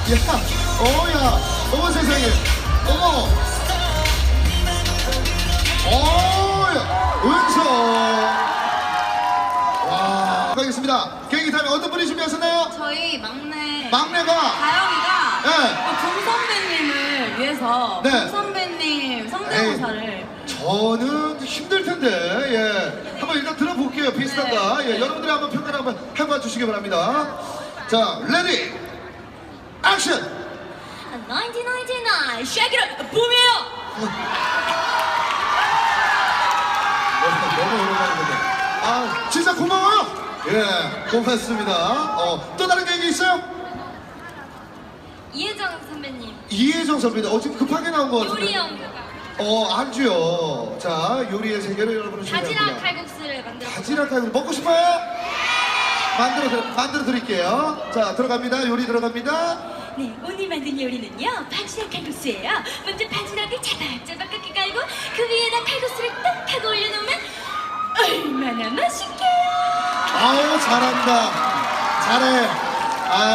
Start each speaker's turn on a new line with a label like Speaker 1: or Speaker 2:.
Speaker 1: 야, 어머 세상에, 어머, 야, 은서. 와, 가겠습니다. 계획이 타면 어떤 분이 준비하셨나요?
Speaker 2: 저희
Speaker 1: 막내가.
Speaker 2: 다영이가
Speaker 1: 네.
Speaker 2: 금 선배님을 위해서
Speaker 1: 네.
Speaker 2: 금 선배님 성대모사를
Speaker 1: 저는 힘들 텐데, 예. 한번 일단 들어볼게요. 비슷한가? 예. 여러분들이 한번 평가를 한번 해봐 주시기 바랍니다. 자, 레디, 액션!
Speaker 2: 1999 샤기를 붐이에요.
Speaker 1: 너무 오랜만에 보네. 아, 진짜 고마워요. 예, 고맙습니다. 또 다른 계획이 있어요?
Speaker 2: 이혜정 선배님
Speaker 1: 이혜정 선배님, 지금 급하게 나온 거 같은데.
Speaker 2: 요리 연구가
Speaker 1: 안주요. 자, 요리의 세계를 여러분은
Speaker 2: 바지락
Speaker 1: 준비합니다.
Speaker 2: 칼국수를 만들었어요.
Speaker 1: 바지락 칼국수 먹고 싶어요? 만들어 드릴게요. 자, 들어갑니다. 요리 들어갑니다.
Speaker 2: 네, 오늘 만든 요리는요 바지락 칼국수예요. 먼저 바지락을 자박자박하게 깔고 그 위에다 칼국수를 딱 하고 올려놓으면 얼마나 맛있게요.
Speaker 1: 아우, 잘한다. 잘해. 아.